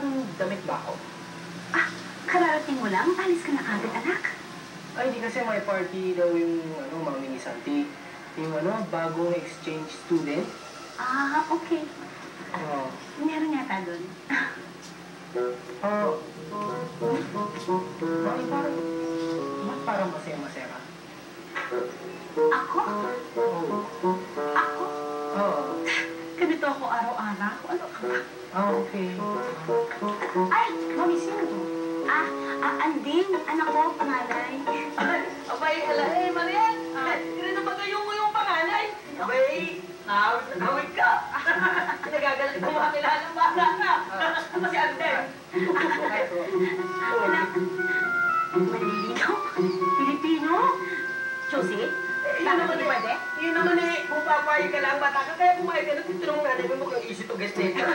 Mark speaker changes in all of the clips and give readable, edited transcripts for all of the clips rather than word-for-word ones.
Speaker 1: damit ba ako?
Speaker 2: Ah, kararating mo lang? Alis ka na agad, anak.
Speaker 1: Ay, hindi kasi may party daw yung, mami ni Santi. Yung, bagong exchange student.
Speaker 2: Ah, okay.
Speaker 1: Oo.
Speaker 2: Meron yata doon.
Speaker 1: Oo. Mami, ba't parang masaya-masaya ka?
Speaker 2: Ako?
Speaker 1: Oo.
Speaker 2: Ako?
Speaker 1: Oo.
Speaker 2: Ganito ako araw-araw. Ano ka ba?
Speaker 1: Ah, okay.
Speaker 2: Ay, mami, sino to? Anding. Anak ko, panganay.
Speaker 3: Ay, abay, Marian! Ganito ba yung panganay? Abay, nawit ka! Nagagalit mo makakilala ng bata ka! Ano si Andeng?
Speaker 2: Anak, malilino? Pilipino? Josie?
Speaker 3: Yun naman kung papayag ka lang bata ka, kaya pumayag ka na titanong nanay mo mukhang easy to guess later.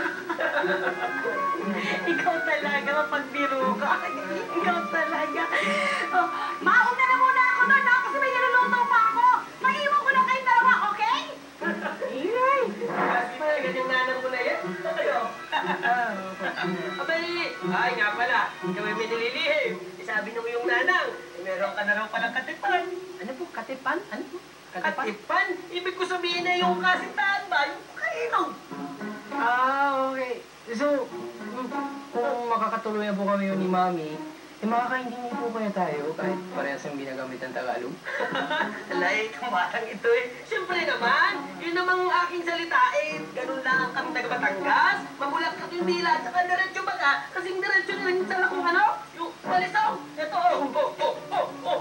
Speaker 2: Ikaw talaga, mapagbiro ka. Ikaw talaga. Oh, mauna na muna ako doon, no? Kasi may niluluto pa ako. Maiwan ko lang kayong dalawa, okay?
Speaker 3: Ingay! Kasi malagan yung nanang mo na yan. Ayo. Abay, ay nga pala, ikaw ay may nililihim. Sabi nung yung nanang, meron ka na raw palang katipan.
Speaker 1: Ano po? Katipan? Ano po?
Speaker 3: Katipan? Ibig ko sabihin na yung kasintahan ba? Yung kainom.
Speaker 1: Ah, okay. So, kung makakatuloy na po kami yun ni Mami, makakaintindi po kaya tayo kahit parehas yung ginagamit ng Tagalog?
Speaker 3: Alay, tumatang ito eh. Siyempre naman, yun namang aking salita eh, ganun lang kami taga-Batangas. Mamulak yung dila, tsaka diretso baga, kasing diretso na rin sa kung ano, yung balisaw. Ito, oh.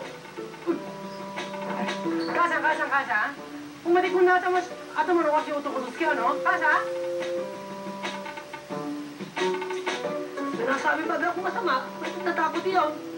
Speaker 1: Kasa? Umatik mo na mas atamaro kasi utukulus ka, no? Kasa?
Speaker 3: Sinasabi ba ako masama? Ba't natatakot yun?